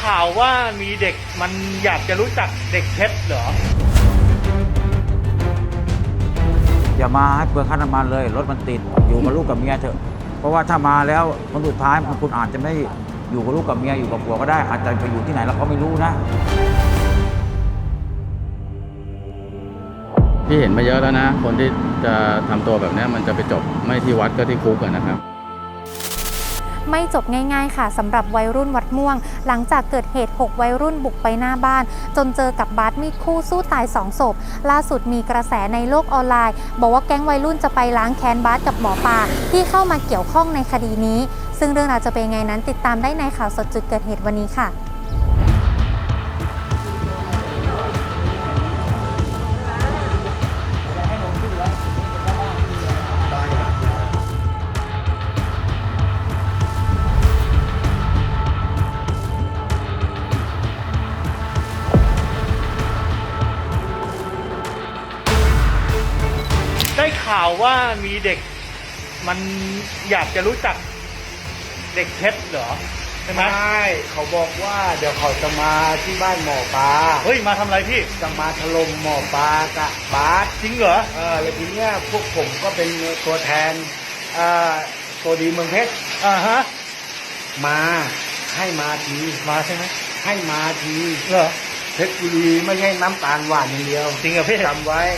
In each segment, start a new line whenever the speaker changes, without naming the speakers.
ข่าวว่ามีเด็กมันอยากจะรู้จักเด็กเพชรเหรอ
อย่ามาให้เปลืองค่าน้ำมันเลยรถมันติดอยู่กับลูกกับเมียเถอะเพราะว่าถ้ามาแล้วคนสุดท้ายคุณอาจจะไม่อยู่กับลูกกับเมียอยู่กับผัวก็ได้อาจจะไปอยู่ที่ไหนเราก็ไม่รู้นะ
พี่เห็นมาเยอะแล้วนะคนที่จะทำตัวแบบนี้มันจะไปจบไม่ที่วัดก็ที่คุกนะครับ
ไม่จบง่ายๆค่ะสำหรับวัยรุ่นวัดม่วงหลังจากเกิดเหตุ6วัยรุ่นบุกไปหน้าบ้านจนเจอกับบาสมีดคู่สู้ตาย2ศพล่าสุดมีกระแสในโลกออนไลน์บอกว่าแก๊งวัยรุ่นจะไปล้างแค้นบาสกับหมอปลาที่เข้ามาเกี่ยวข้องในคดีนี้ซึ่งเรื่องราวจะเป็นไงนั้นติดตามได้ในข่าวสดจุดเกิดเหตุวันนี้ค่ะ
ได้ข่าวว่ามีเด็กมันอยากจะรู้จักเด็กเพชรเหรอใช่ไหม
ใช่เขาบอกว่าเดี๋ยวเขาจะมาที่บ้านหมอปลา
เฮ้ยมาทำอะไรพี่
จะมาถล่มหมอปลากับบาส
จริงเหรอ
แล้วทีเนี้ยพวกผมก็เป็นตัวแทนตัวดีเมืองเพชร
ฮะ
มาให้มาที
มาใช่ไหม
ให้มาที
เหรอ
เพชรบุรีไม่ใช่น้ำตาลหวานอย่างเดียว
จริงเหรอพี่
จำไว้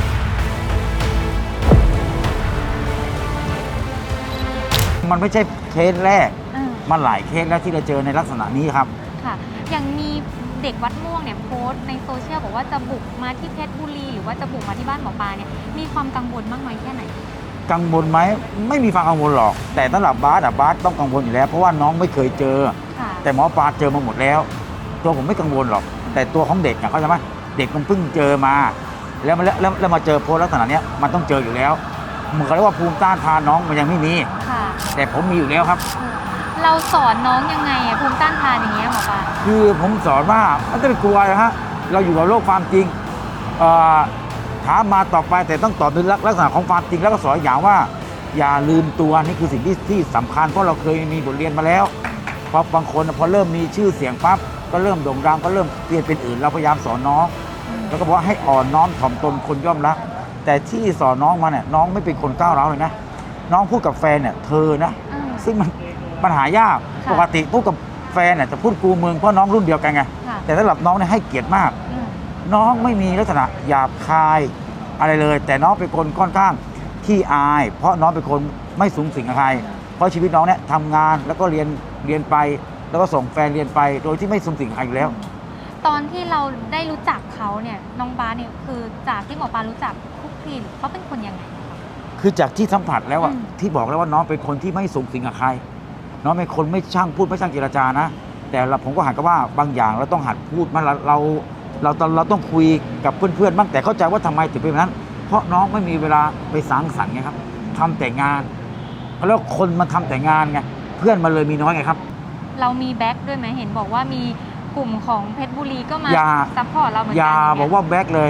มันไม่ใช่เคสแรกมันหลายเคสแล้วที่เราเจอในลักษณะนี้ครับ
ค่ะอย่างมีเด็กวัดม่วงเนี่ยโพสต์ในโซเชียลบอกว่าจะบุกมาที่เพชรบุรีหรือว่าจะบุกมาที่บ้านหมอปลาเนี่ยมีความกังวลมากน้อยแค่ไหน
กังวลไหมไม่มีความกังวลหรอกแต่สำหรับบาสต้องกังวลอยู่แล้วเพราะว่าน้องไม่เคยเจอแต่หมอปลาเจอมาหมดแล้วตัวผมไม่กังวลหรอกแต่ตัวของเด็กเขาใช่ไหมเด็กมันเพิ่งเจอมาแล้วมาเจอโพสต์ลักษณะนี้มันต้องเจออยู่แล้วเหมือนกับว่าภูมิต้านทานน้องมันยังไม่มีแต่ผมมีอยู่แล้วครับ
เราสอนน้องยังไงภูมิต้านทานอย่างเงี้ยหมอปลา
คือผมสอนว่าไม่ต้องไปกลัวนะฮะเราอยู่กับโลกความจริงถามมาต่อไปแต่ต้องตอบในลักษณะของความจริงแล้วก็สอนอย่างว่าอย่าลืมตัวนี่คือสิ่งที่สำคัญเพราะเราเคยมีบทเรียนมาแล้วเพราะบางคนพอเริ่มมีชื่อเสียงปั๊บก็เริ่มโด่งดังก็เริ่มเปลี่ยนเป็นอื่นเราพยายามสอนน้องแล้วก็บอกว่าให้อ่อนน้อมถ่อมตนคนย่อมรักแต่ที่สอนน้องมาเนี่ยน้องไม่เป็นคนก้าวร้าวเลยนะน้องพูดกับแฟนเนี่ยเธอนะซึ่งมันปัญหายากปกติพูดกับแฟนเนี่ยจะพูดกูมึงเพราะน้องรุ่นเดียวกันไงแต่สำหรับน้องเนี่ยให้เกียรติมากน้องไม่มีลักษณะหยาบคายอะไรเลยแต่น้องเป็นคนค่อนข้างขี้อายเพราะน้องเป็นคนไม่สูงสิงกับใครเพราะชีวิตน้องเนี่ยทำงานแล้วก็เรียนไปแล้วก็ส่งแฟนเรียนไปโดยที่ไม่สูงสิงกับใครอยู่แล้ว
ตอนที่เราได้รู้จักเขาเนี่ยน้องบาสเนี่ยคือจากที่หมอปลารู้จักคุกคีเขาเป็นคนยังไง
คือจากที่สัมผัสแล้วอะที่บอกแล้วว่าน้องเป็นคนที่ไม่สูงสิงกับใครน้องเป็นคนไม่ช่างพูดไม่ช่างเจรจานะแต่ผมก็หันกับว่าบางอย่างเราต้องหัดพูดมันเราต้องคุยกับเพื่อนๆบ้างแต่เข้าใจว่าทำไมถึงเป็นแบบนั้นเพราะน้องไม่มีเวลาไปสังสรรค์ไงครับทำแต่งานแล้วคนมันทำแต่งานไงเพื่อนมันเลยมีน้อยไงครับ
เรามีแบ็คด้วยไหมเห็นบอกว่ามีกลุ่มของเพชรบุรีก็มาซัพพอร์ตเราเหมือนกัน
อย่าบอกว่าแบ็คเลย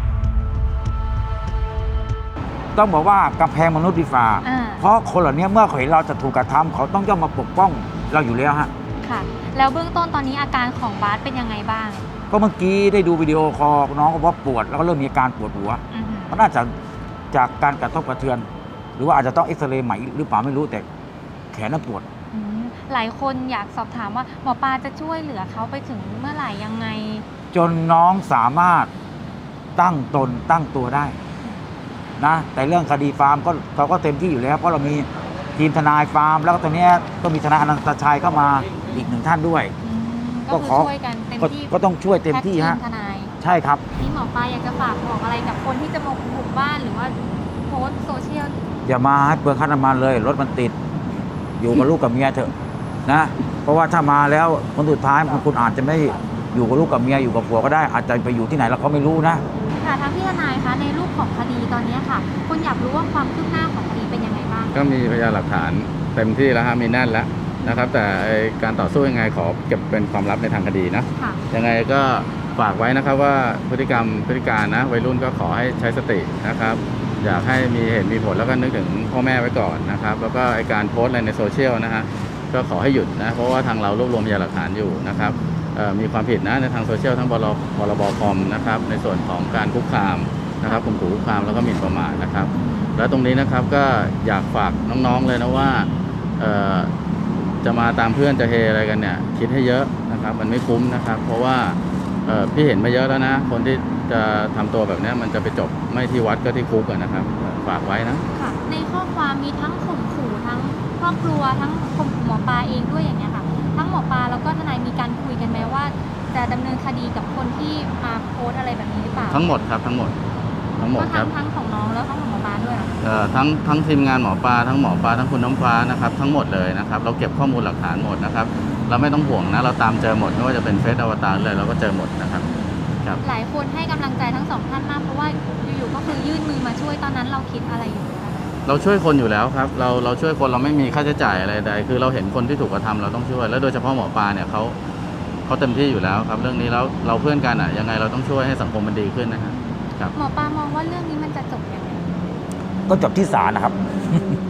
ต้องบอกว่ากำแพงมนุษย์ดีฝ่าเพราะคนเหล่านี้เมื่อเขาเห็นเราจะถูกกระทำเขาต้องย่อมมาปกป้องเราอยู่แล้วฮะ
ค่ะแล้วเบื้องต้นตอนนี้อาการของบาสเป็นยังไงบ้าง
ก็เมื่อกี้ได้ดูวิดีโอคอลน้องก็บอกปวดแล้วก็เริ่มมีอาการปวดหัวมันน่าจะจากการกระทบกระเทือนหรือว่าอาจจะต้องเอ็กซเรย์ใหม่หรือเปล่าไม่รู้แต่แขนน่ะปวด
หลายคนอยากสอบถามว่าหมอปลาจะช่วยเหลือเขาไปถึงเมื่อไหร่ยังไง
จนน้องสามารถตั้งตนตั้งตัวได้นะแต่เรื่องคดีฟาร์มก็เราก็เต็มที่อยู่แล้วเพราะเรามีทีมทนายฟาร์มแล้วก็ตอนนี้ก็มีทนายอนันตชัยเข้ามาอีกหนึ่งท่านด้วย
ก็ขอช่วยกันเต็มที่
ก็ต้องช่วยเต็มที่ฮะใช่ครับ
นี่หมอปลาอยากจะฝากบอกอะไรกับคนที่จะมาบุกบ้านหรือว่าโพสต์โซเชียล
อย่ามาให้เปลืองค่าน้ำมันเลยรถมันติดอยู่กับลูกกับเมียเถอะนะเพราะว่าถ้ามาแล้วคนสุดท้ายคุณอาจจะไม่อยู่กับลูกกับเมียอยู่กับผัวก็ได้อาจจะไปอยู่ที่ไหนเราก็ไม่รู้นะ
ค่ะทางพี่ทนายคะในรูปของคดีตอนนี้ค่ะคุณอยากรู้ว่าความคืบหน้าของคดีเป็นยังไงบ้าง
ก็มีพยานหลักฐานเต็มที่แล้วฮะมีแน่นแล้วนะครับแต่การต่อสู้ยังไงขอเก็บเป็นความลับในทางคดีนะยังไงก็ฝากไว้นะครับว่าพฤติการนะวัยรุ่นก็ขอให้ใช้สตินะครับอยากให้มีเหตุมีผลแล้วก็นึกถึงพ่อแม่ไว้ก่อนนะครับแล้วก็การโพสต์อะไรในโซเชียลนะฮะก็ขอให้หยุดนะเพราะว่าทางเรารวบรวมพยานหลักฐานอยู่นะครับมีความผิดนะในทางโซเชียลทั้งพรบคอมนะครับในส่วนของการคุกคามนะครับข่มขู่คุกคามแล้วก็หมิ่นประมาทนะครับแล้วตรงนี้นะครับก็อยากฝากน้องๆเลยนะว่าจะมาตามเพื่อนจะเฮอะไรกันเนี่ยคิดให้เยอะนะครับมันไม่คุ้มนะครับเพราะว่าพี่เห็นมาเยอะแล้วนะคนที่จะทำตัวแบบนี้มันจะไปจบไม่ที่วัดก็ที่คุกนะครับฝากไว้นะ
ค่ะในข้อความมีทั้งข่มขู่ทั้งครอบครัวทั้งข่มขู่หมอปลาเองด้วยอย่างเงี้ยค่ะทั้งหมอปลาแล้วก็ทนายมีการคุยกันไหมว่าจะดำเนินคดีกับคนที่มาโพสต์อะไรแบบนี้หรือเปล่า
ทั้งหมดครับทั้งหมด
ก็
ครับ
ทั้งของน้องแล้วทั้งของหมอปลาด้วยเหรอ
ทั้งทีมงานหมอปลาทั้งหมอปลาทั้งคุณน้ำฟ้านะครับทั้งหมดเลยนะครับเราเก็บข้อมูลหลักฐานหมดนะครับเราไม่ต้องห่วงนะเราตามเจอหมดไม่ว่าจะเป็นเฟซอวตารเลยเราก็เจอหมดนะครับครับ
หลายคนให้กำลังใจทั้งสองท่านมากเพราะว่าอยู่ๆก็คือยื่นมือมาช่วยตอนนั้นเราคิดอะไรอยู่คะ
เราช่วยคนอยู่แล้วครับเราช่วยคนเราไม่มีค่าใช้จ่ายอะไรใดคือเราเห็นคนที่ถูกกระทำเราต้องช่วยแล้วโดยเฉพาะหมอปลาเนี่ยเขาเต็มที่อยู่แล้วครับเรื่องนี้แล้วเราเพื่อนกันอ่ะยังไงเราต้องช่วยให้สังคมมันดีขึ้นนะครับ
หมอปลามองว่าเรื่องนี้มันจะจบยังไง
ก็จบที่ศาลนะครับ